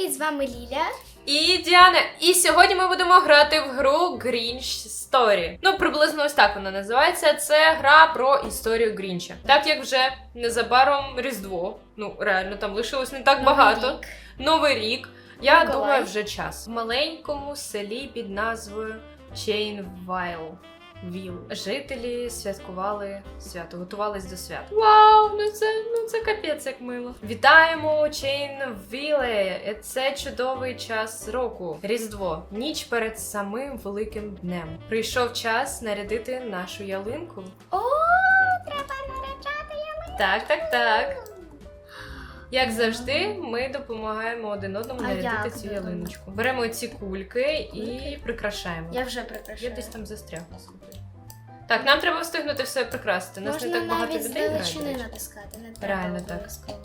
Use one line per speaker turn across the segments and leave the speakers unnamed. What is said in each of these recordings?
привіт, з вами Ліля.
І Діана. І сьогодні ми будемо грати в гру Grinch Story. Ну, приблизно ось так вона називається. Це гра про історію Грінча. Так як вже незабаром Різдво, ну реально, там лишилось не так багато. Новий рік. Я думаю, вже час. В маленькому селі під назвою Чейнвайл. Жителі святкували свято, готувались до свят. Вау, ну це капець як мило. Вітаємо у Чейнвіле. Це чудовий час року. Різдво. Ніч перед самим великим днем. Прийшов час нарядити нашу ялинку.
О, треба наряджати ялинку.
Так. Як завжди, ми допомагаємо один одному нарядити цю ялиночку. Беремо ці кульки і прикрашаємо.
Я вже прикрашаю.
Я десь там застрягла, слухай. Так, нам треба встигнути все прикрасити. Нас не так багато людей грає.
Можна навіть натискати, не треба.
Реально так.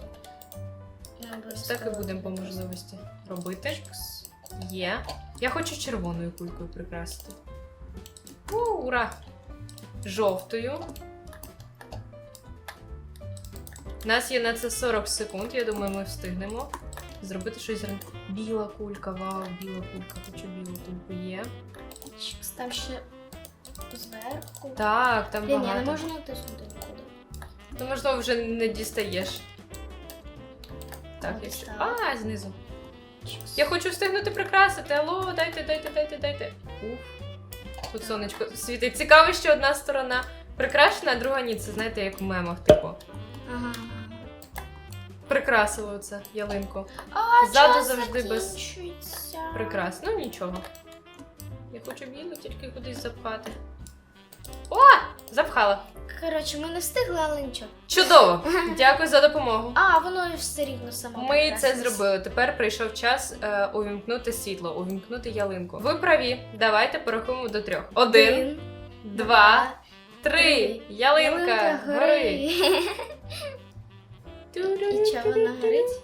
Ось
так і будемо по можливості робити. Є. Я хочу червоною кулькою прикрасити. Ура! Жовтою. У нас є на це 40 секунд, я думаю, ми встигнемо зробити щось. Біла кулька, вау, біла кулька, хочу білу кульку, є.
Там ще зверху.
Так, там багато.
Я не можу натиснути нікуди.
То, можливо, вже не дістаєш. Так, якщо... знизу. Я хочу встигнути прикрасити. Алло, дайте. Тут сонечко світить. Цікаво, що одна сторона прикрашена, а друга ні. Це, знаєте, як в мемах, типу.
Ага.
Прикрасили оце ялинку.
Ззаду
завжди без прикрас. Ну, нічого. Я хочу білу тільки кудись запхати. О! Запхала.
Коротше, ми не встигли, але нічого.
Чудово! Дякую за допомогу.
Воно все рівно само.
Ми це зробили. Тепер прийшов час увімкнути світло, увімкнути ялинку. Ви праві. Давайте порахуємо до 3. 1, 2, 3. Ялинка гори.
І чого вона горить?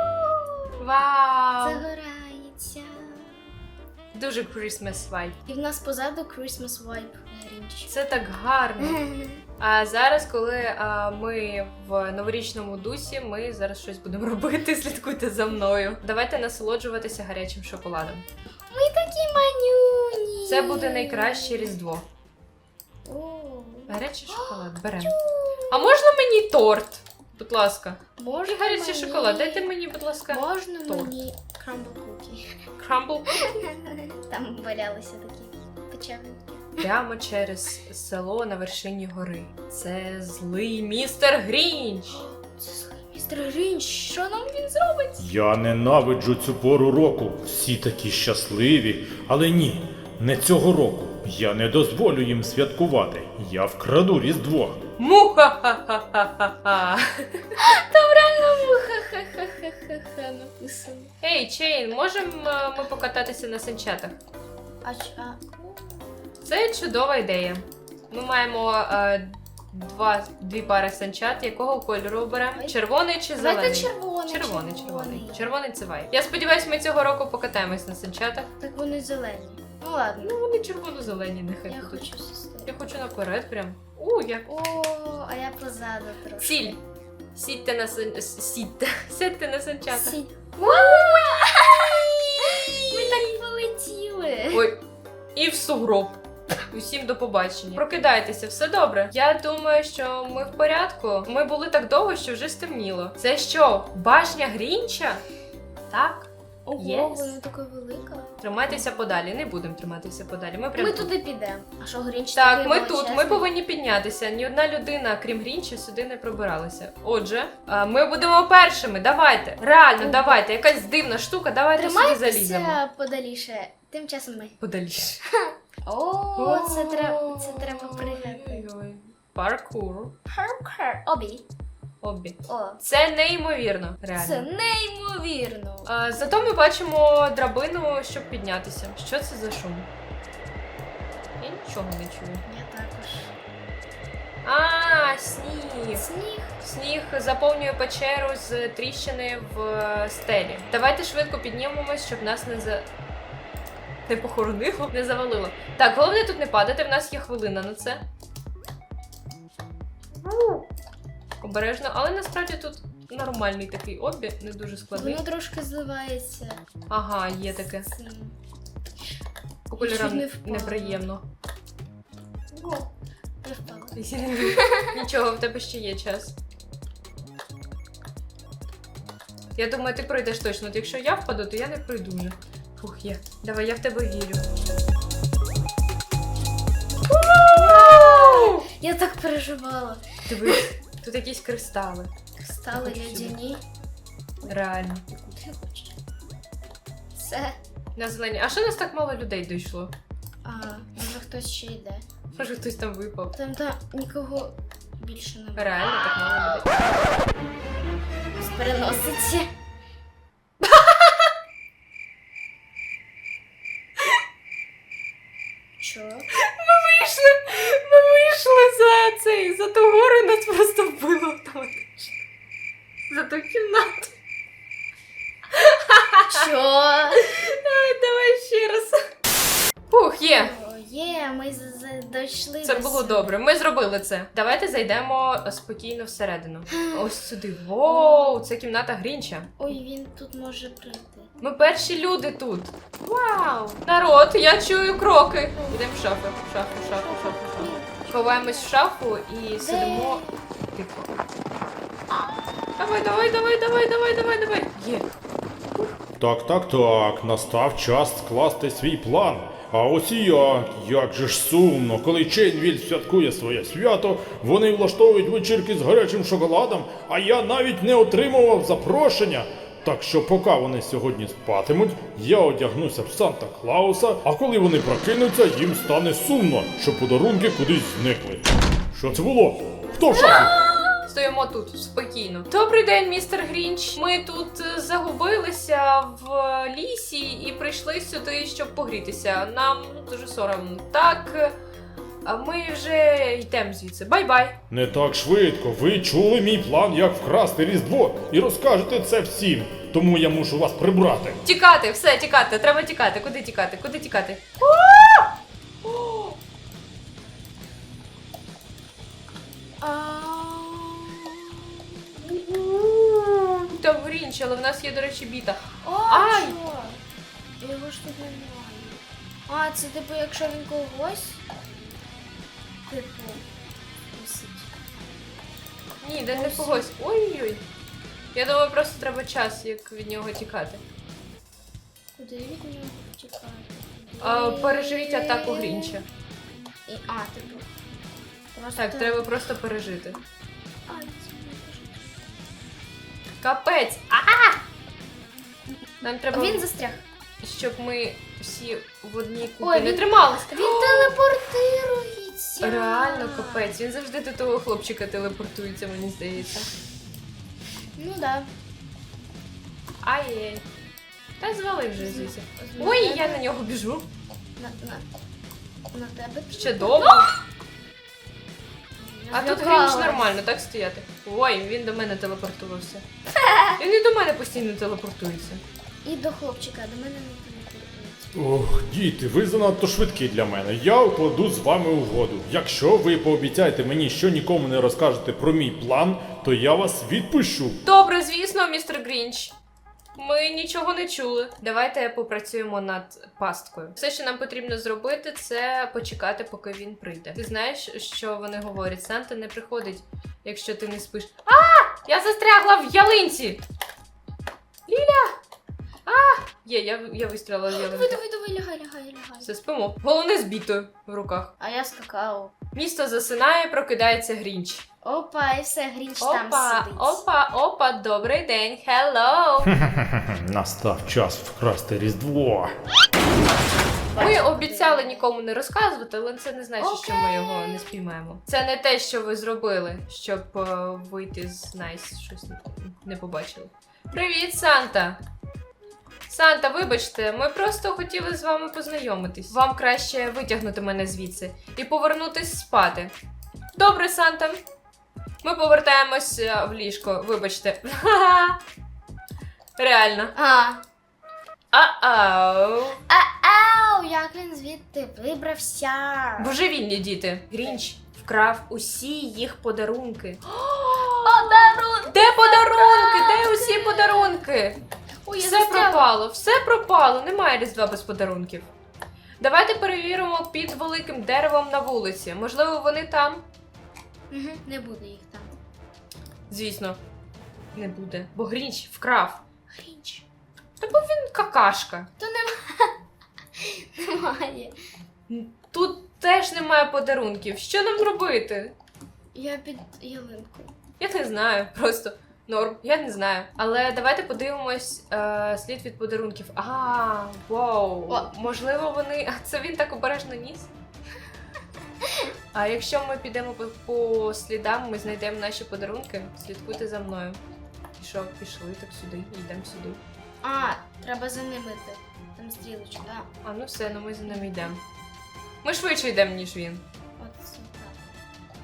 Вау!
Загорається.
Дуже Christmas vibe.
І в нас позаду Christmas vibe Grinch.
Це так гарно. А зараз, коли ми в новорічному дусі, ми зараз щось будемо робити, слідкуйте за мною. Давайте насолоджуватися гарячим шоколадом.
Ми такі манюні.
Це буде найкраще Різдво. Гарячий шоколад, беремо. А можна мені торт? Будь ласка.
Можна
гарячий шоколад, дайте мені, будь ласка,
можна
торт.
Мені крамбл кукі.
Крамбл?
Там валялися такі печеньки.
Прямо через село на вершині гори. Це злий містер Грінч.
Це злий містер Грінч. Що нам він зробить?
Я ненавиджу цю пору року. Всі такі щасливі. Але ні, не цього року. Я не дозволю їм святкувати. Я вкраду Різдво.
Муха-ха-ха-ха-ха.
Там реально муха-ха-ха-ха-ха написано.
Ей, Чейн, можемо ми покататися на санчатах? Це чудова ідея. Ми маємо дві пари санчат. Якого кольору оберемо? Червоний чи зелений?
Давайте червоний.
Червоний. Червоний це вайб. Я сподіваюся, ми цього року покатаємось на санчатах.
Так вони зелені. Ну ладно.
Ну вони червоно-зелені, нехай
Я
будуть.
хочу сестри.
Я хочу наперед прям. Як.
А я позаду трошки.
Сіль. Сядьте на санчатах.
Ми так полетіли.
Ой, і в сугроб. Усім до побачення. Прокидайтеся, все добре. Я думаю, що ми в порядку. Ми були так довго, що вже стемніло. Це що, башня Грінча? Так.
Ого, вона така велика.
Тримайтеся подалі. Не будемо триматися подалі. Ми
Ми туди підемо. А що, Грінч
так,
такий
ми тут.
величезний?
Ми повинні піднятися. Ні одна людина, крім Грінча, сюди не пробиралася. Отже, ми будемо першими. Давайте. Реально, давайте. Якась дивна штука. Давайте сюди заліземо.
Тримайтеся подаліше. Тим часом ми.
Подаліше.
Це треба пригати.
Паркур.
Обі.
Це неймовірно, реально.
Це неймовірно.
Зато ми бачимо драбину, щоб піднятися. Що це за шум? Я нічого не чую.
Я також.
Сніг.
Сніг.
Сніг заповнює печеру з тріщини в стелі. Давайте швидко піднімемось, щоб нас не похоронило, не завалило. Так, головне тут не падати, в нас є хвилина на це. Обережно, але насправді тут нормальний такий обі, не дуже складний.
Воно трошки зливається.
Ага, є таке.
з цим.
По кольорам
Чуть не впала.
неприємно.
О, я впала.
Нічого, в тебе ще є час. Я думаю, ти пройдеш точно. От якщо я впаду, то я не пройду вже. Фух, є. Давай, я в тебе вірю.
Я так переживала.
Дивись, тут якісь кристали.
Стали
Хочу сюди.
лядяні.
Реально.
Ти хочеш? Все.
На зелені. А що нас так мало людей дійшло?
Може хтось ще йде.
Може хтось там випав.
Там нікого більше немає.
Реально так мало людей.
Переноситься. Чо?
Ми вийшли за цей, за ту гору і нас просто вбило автоматично. За ту кімнату.
Чо?
Давай ще раз. Фух, є.
Є, ми дійшли.
Це
до
було
сюди.
добре. Ми зробили це. Давайте зайдемо спокійно всередину. Ось сюди. Воу, це кімната Грінча.
Ой, він тут може прийти.
Ми перші люди тут. Вау! Народ, я чую кроки. Йдемо в шафу, в шафу, в шафу, в шафу, в шафу. Ховаємось в шафу і сидимо. Тихо. Давай, давай, давай, давай, давай, давай, давай. Є.
Так, настав час скласти свій план. А ось і як же ж сумно, коли Чейнвіль святкує своє свято, вони влаштовують вечірки з гарячим шоколадом, а я навіть не отримував запрошення. Так що поки вони сьогодні спатимуть, я одягнуся в Санта-Клауса, а коли вони прокинуться, їм стане сумно, що подарунки кудись зникли. Що це було? Хто в шафі?
Стоїмо тут спокійно. Добрий день, містер Грінч. Ми тут загубилися в лісі і прийшли сюди, щоб погрітися. Нам дуже соромно. Так, а ми вже йдемо звідси. Бай-бай.
Не так швидко. Ви чули мій план, як вкрасти Різдво, і розкажете це всім. Тому я мушу вас прибрати.
Тікати, все, тікати. Треба тікати. Куди тікати? Куди тікати? Там Грінч, але в нас є, до речі, біта.
О,
Ай!
чо? Його ж тут немає. Це типу, якщо він когось. Типу. висить.
Ні, де не когось. Ой-ой-ой. Я думаю, просто треба час, як від нього тікати.
Куди від нього втікати?
Переживіть атаку Грінча.
Типу. Просто...
Так, треба просто пережити.
Ай, це не дуже.
Капець! Нам треба,
Він застряг.
щоб ми всі в одній купі
Ой,
не
він-
трималися.
Він телепортирується.
Реально капець. Він завжди до того хлопчика телепортується, мені здається.
Ну да.
Ай-яй. Та звали вже звідси.
На
Ой,
тебе-
я на нього біжу.
На тебе.
Ще довго. А тут Грінч нормально, так стояти. Ой, він до мене телепортувався. Він і до мене постійно телепортується.
І до хлопчика, до мене не телепортується.
Ох, діти, ви занадто швидкі для мене. Я укладу з вами угоду. Якщо ви пообіцяєте мені, що нікому не розкажете про мій план, то я вас відпущу.
Добре, звісно, містер Грінч. Ми нічого не чули. Давайте попрацюємо над пасткою. Все, що нам потрібно зробити, це почекати, поки він прийде. Ти знаєш, що вони говорять? Санта не приходить, якщо ти не спиш. Я застрягла в ялинці! Ліля! Є, я вистрілила в ялинку.
Давай, лягай.
Все, спимо. Головне з бітою в руках.
А я скакав.
Місто засинає, прокидається Грінч.
Опа, і все, Грінч там
Опа,
сидить.
опа, добрий день, хеллоу!
Настав час вкрасти Різдво.
Ми обіцяли нікому не розказувати, але це не значить, що ми
Окей.
його не спіймаємо. Це не те, що ви зробили, щоб вийти з Найс, щось не побачили. Привіт, Санта! Санта, вибачте, ми просто хотіли з вами познайомитись. Вам краще витягнути мене звідси і повернутись спати. Добре, Санта. Ми повертаємось в ліжко, вибачте. Реально. Ау.
Як він звідти вибрався?
Божевільні діти. Грінч вкрав усі їх подарунки.
Подарунок!
Де подарунки? Де усі подарунки?
Ой, я
Все
застряла.
пропало, все пропало, немає Різдва без подарунків. Давайте перевіримо під великим деревом на вулиці. Можливо, вони там?
Угу, не буде їх там.
Звісно, не буде. Бо Грінч вкрав.
Грінч.
Та бо він какашка.
Немає.
Тут теж немає подарунків. Що нам робити?
Я під ялинкою.
Я не знаю, просто норм, я не знаю. Але давайте подивимось слід від подарунків. Вау.
О.
Можливо, вони. А це він так обережно ніс? А якщо ми підемо по слідам, ми знайдемо наші подарунки, слідкуйте за мною. І що, пішли так сюди, йдемо сюди.
А, треба за ними йти. Там стрілочка, да.
А ну все, ну ми за ними йдемо. Ми швидше йдемо, ніж він.
От це так.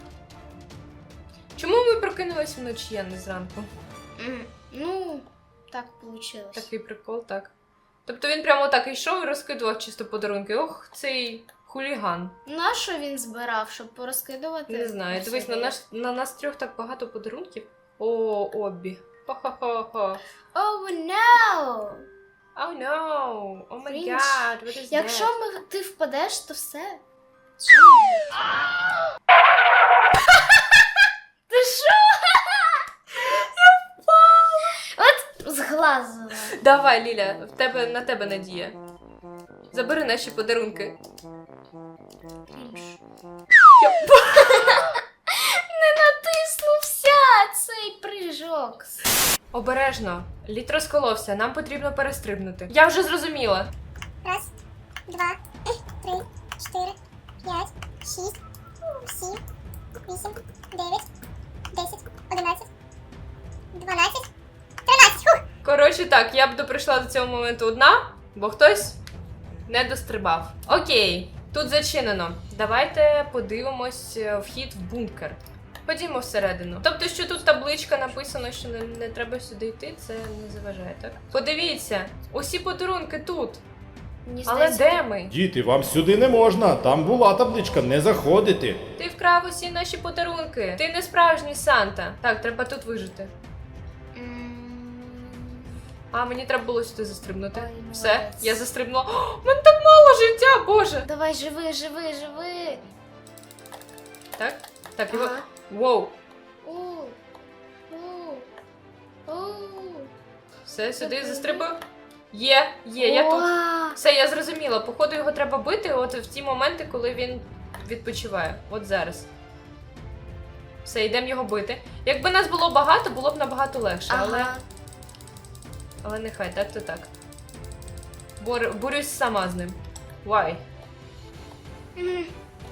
Чому ми прокинулись вночі, а не зранку?
Ну, так вийшло.
Такий прикол, так. Тобто він прямо так йшов і розкидував чисто подарунки. Ох, цей хуліган.
Нащо він збирав, щоб порозкидувати?
Не знаю.
по
Дивись,
собі?
на нас трьох так багато подарунків. О, Оббі. Хо-хо-хо-хо.
Oh no!
Oh no! Oh my
Грінч.
god, what is
Якщо
that?
ти впадеш, то все. Ти що? Я впала! От зглазила.
Давай, Ліля, на тебе надія. Забери наші подарунки.
Не натиснувся цей прыжок.
Обережно. Лід розколовся, нам потрібно перестрибнути. Я вже зрозуміла.
Раз, два, три, чотири, п'ять, шість, сім, вісім, дев'ять, 10, 11, 12, 13. Фух!
Коротше так, я б прийшла до цього моменту одна, бо хтось не дострибав. Окей, тут зачинено. Давайте подивимось вхід в бункер. Ходімо всередину. Тобто, що тут табличка написано, що не треба сюди йти, це не заважає, так? Подивіться, усі подарунки тут.
Мені
Але
здається,
де ми?
Діти, вам сюди не можна. Там була табличка, не заходити.
Ти вкрав усі наші подарунки. Ти не справжній Санта. Так, треба тут вижити. А, мені треба було сюди застрибнути.
Ой,
Все,
молодець.
я застрибнула. О, в мене так мало життя, боже!
Давай, живи, живи, живи.
Так, так, його.
Ага.
Воу.
У, у, у.
Все, сюди застрибую. Є, я тут.
Уа!
Все, я зрозуміла. Походу, його треба бити от в ті моменти, коли він відпочиває. От зараз. Все, йдемо його бити. Якби нас було багато, було б набагато легше,
Ага.
але нехай, так то так. Борюсь сама з ним. Why?
М,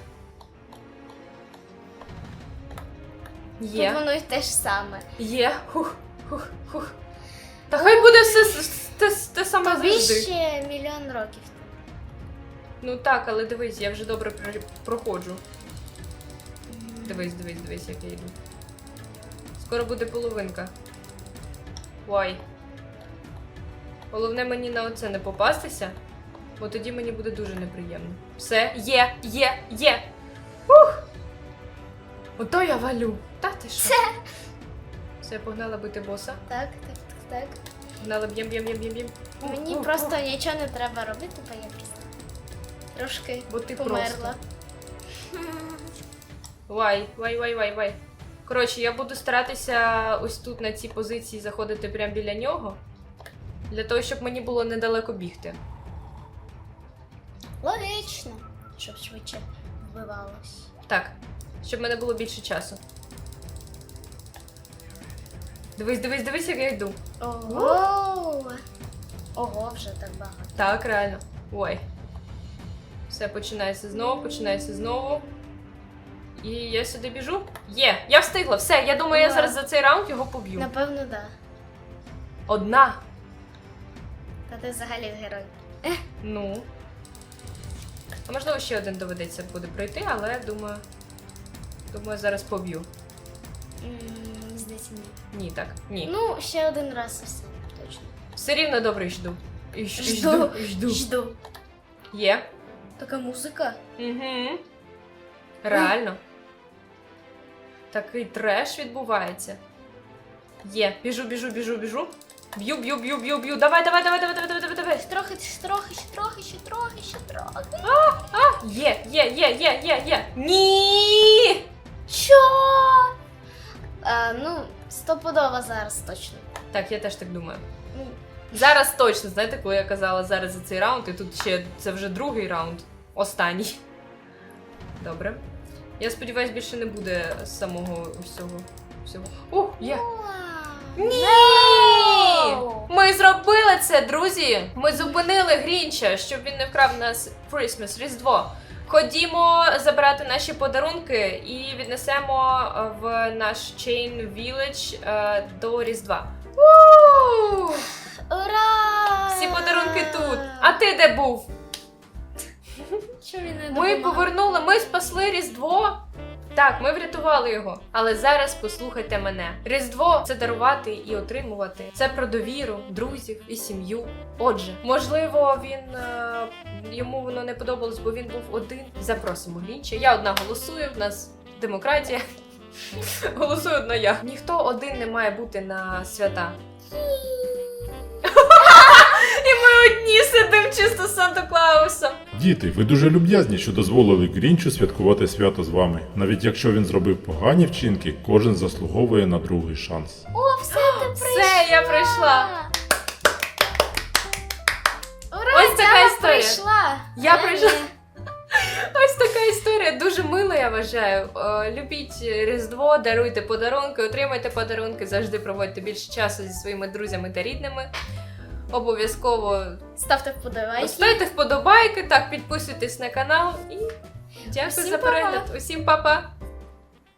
Є.
Тут воно й те ж саме.
Є. Хух. Та хай буде все те саме
Тобі
завжди.
ще мільйон років.
Ну так, але дивись, я вже добре проходжу. Дивись, як я йду. Скоро буде половинка. Ой. Головне мені на оце не попастися, бо тоді мені буде дуже неприємно. Все, є! Ух! Ото я валю. Та ти що? Все, погнала бити боса.
Так.
Погнала б'єм.
Мені просто нічого не треба робити, бо я просто трошки
Бо ти
померла.
Вай. Коротше, я буду старатися ось тут на цій позиції заходити прямо біля нього. Для того, щоб мені було недалеко бігти.
Логічно, щоб швидше вбивалось.
Так, щоб в мене було більше часу. Дивись, як я йду.
Ого! Ого, вже так багато.
Так, реально. Ой. Все, починається знову. І я сюди біжу. Є, я встигла, все, я думаю, я
Ура.
зараз за цей раунд його поб'ю.
Напевно, да.
Одна.
Та ти взагалі герой.
Ну. А можливо, ще один доведеться буде пройти, але думаю, зараз поб'ю.
Здається, ні.
Ні, так, ні.
Ну, ще один раз і все, точно.
Все рівно добре йду. Жду.
Жду.
Є.
Така музика.
Угу. Реально. такий треш відбувається. Є, біжу. Б'ю. Давай.
Ще трохи.
Є. Ні!
Що? Ну, стопудово зараз точно.
Так, я теж так думаю. Зараз точно, знаєте, коли я казала зараз за цей раунд, і тут ще це вже другий раунд. Останній. Добре. Я сподіваюсь, більше не буде самого всього. Ух, є! Ні! Ми зробили це, друзі! Ми зупинили Грінча, щоб він не вкрав нас Christmas, Різдво. Ходімо забирати наші подарунки і віднесемо в наш Chain Village до Різдва. У!
Ура!
Всі подарунки тут. А ти де був?
Що він не
Ми
допомагав?
повернули, ми спасли Різдво. Так, ми врятували його. Але зараз послухайте мене. Різдво – це дарувати і отримувати. Це про довіру, друзів і сім'ю. Отже, можливо, йому воно не подобалось, бо він був один. Запросимо Грінча. Я одна голосую, в нас демократія. Голосую одна я. Ніхто один не має бути на свята. І ми одні сидимо чисто з Санта-Клаусом.
Діти, ви дуже люб'язні, що дозволили Грінчу святкувати свято з вами. Навіть якщо він зробив погані вчинки, кожен заслуговує на другий шанс.
О, все, ти прийшла!
Все, я прийшла.
Ура,
Ось така
Діана
історія.
прийшла.
Я прийшла. Ось така історія, дуже мила, я вважаю. Любіть Різдво, даруйте подарунки, отримайте подарунки, завжди проводьте більше часу зі своїми друзями та рідними. Обов'язково
Ставте вподобайки.
ставте вподобайки, так, підписуйтесь на канал і дякую
Усім
за перегляд. Усім па-па!